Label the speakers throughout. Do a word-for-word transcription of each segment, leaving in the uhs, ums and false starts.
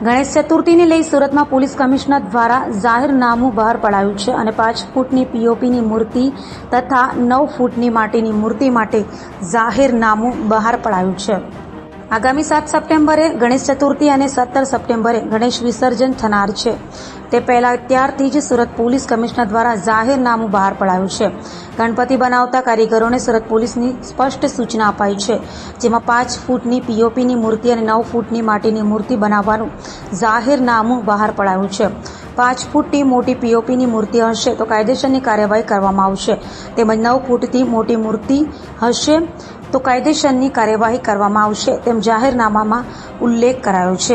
Speaker 1: ગણેશ ચતુર્થીને લઈ સુરતમાં police commissioner દ્વારા જાહેરનામું બહાર પડાયું છે અને પાંચ ફૂટની પીઓપીની મૂર્તિ તથા નવ ફૂટની માટીની મૂર્તિ માટે જાહેરનામું બહાર પડાયું છે। આગામી સાત સપ્ટેમ્બરે ગણેશ ચતુર્થી અને સત્તર સપ્ટેમ્બરે ગણેશ વિસર્જન થનાર છે। તે પહેલા ત્યારથી જ સુરત પોલીસ કમિશનર દ્વારા જાહેરનામું બહાર પડાયું છે। ગણપતિ બનાવતા કારીગરોને સુરત પોલીસની સ્પષ્ટ સૂચના અપાઈ છે, જેમાં પાંચ ફૂટની પીઓપીની મૂર્તિ અને નવ ફૂટની માટીની મૂર્તિ બનાવવાનું જાહેરનામું બહાર પડાયું છે। પાંચ ફૂટની મોટી પીઓપીની મૂર્તિ હશે તો કાયદેસરની કાર્યવાહી કરવામાં આવશે, તેમજ નવ ફૂટથી મોટી મૂર્તિ હશે तो कायदेसરની कार्यवाही કરવામાં આવશે તેમ જાહેરનામામાં उल्लेख करायो છે।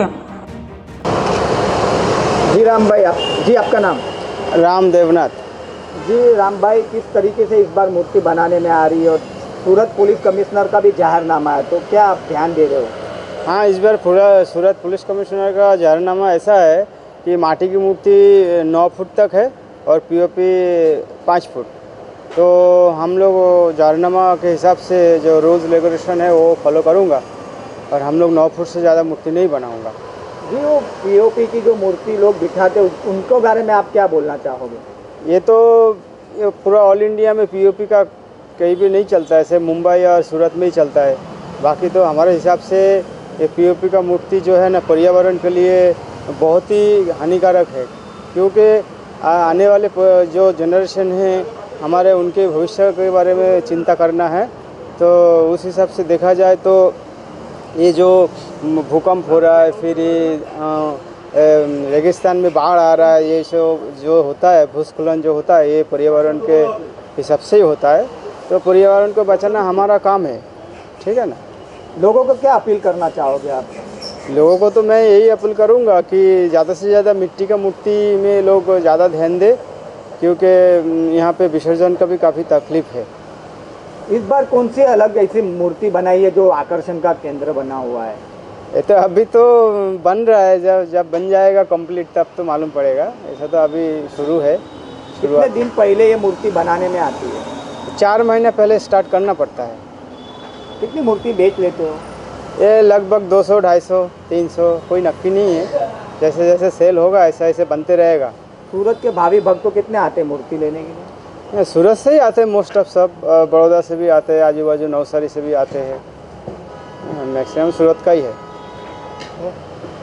Speaker 2: जी राम भाई, आप जी आपका नाम?
Speaker 3: राम देवनाथ।
Speaker 2: जी राम भाई, किस तरीके से इस बार मूर्ति बनाने में आ रही है और सूरत पुलिस कमिश्नर का भी जाहिरनामा है, तो क्या आप ध्यान दे रहे हो?
Speaker 3: हाँ, इस बार पूरा सूरत पुलिस कमिश्नर का जाहिरनामा ऐसा है कि माटी की मूर्ति नौ फुट तक है और पीओपी पाँच फुट। तो हम लोग जाहिरनामा के हिसाब से जो रूल्स रेगुलेशन है वो फॉलो करूँगा और हम लोग नौ फुट से ज़्यादा मूर्ति नहीं बनाऊँगा।
Speaker 2: जी, वो पीओपी की जो मूर्ति लोग बिठाते उनको बारे में आप क्या बोलना चाहोगे?
Speaker 3: ये तो ये पूरा ऑल इंडिया में पीओपी का कहीं भी नहीं चलता है, सिर्फ मुंबई और सूरत में ही चलता है। बाकी तो हमारे हिसाब से ये पीओपी का मूर्ति जो है ना पर्यावरण के लिए बहुत ही हानिकारक है, क्योंकि आने वाले जो जनरेशन है हमारे, उनके भविष्य के बारे में चिंता करना है। तो उस हिसाब से देखा जाए तो ये जो भूकंप हो रहा है, फिर ये रेगिस्तान में बाढ़ आ रहा है, ये सब जो होता है भूस्खलन जो होता है ये पर्यावरण के हिसाब से ही होता है। तो पर्यावरण को बचाना हमारा काम है, ठीक है ना।
Speaker 2: लोगों को क्या अपील करना चाहोगे आप?
Speaker 3: लोगों को तो मैं यही अपील करूँगा कि ज़्यादा से ज़्यादा मिट्टी का मूर्ति में लोग ज़्यादा ध्यान दें, क्योंकि यहाँ पे विसर्जन का भी काफ़ी तकलीफ है।
Speaker 2: इस बार कौन सी अलग ऐसी मूर्ति बनाई है जो आकर्षण का केंद्र बना हुआ है?
Speaker 3: ये तो अभी तो बन रहा है, जब जब बन जाएगा कंप्लीट तब तो मालूम पड़ेगा। ऐसा तो अभी शुरू है।
Speaker 2: कितने दिन पहले ये मूर्ति बनाने में आती है?
Speaker 3: चार महीने पहले स्टार्ट करना पड़ता है।
Speaker 2: कितनी मूर्ति बेच लेते हो?
Speaker 3: ये लगभग दो सौ ढाई सौ तीन सौ कोई नक्की नहीं है, जैसे जैसे सेल होगा ऐसा ऐसे बनते रहेगा।
Speaker 2: सूरत के भावी भक्त तो कितने आते हैं मूर्ति लेने के लिए?
Speaker 3: सूरत से ही आते हैं मोस्ट ऑफ, सब बड़ौदा से भी आते हैं, आजू बाजू नवसारी से भी आते हैं, मैक्सिमम सूरत का ही है।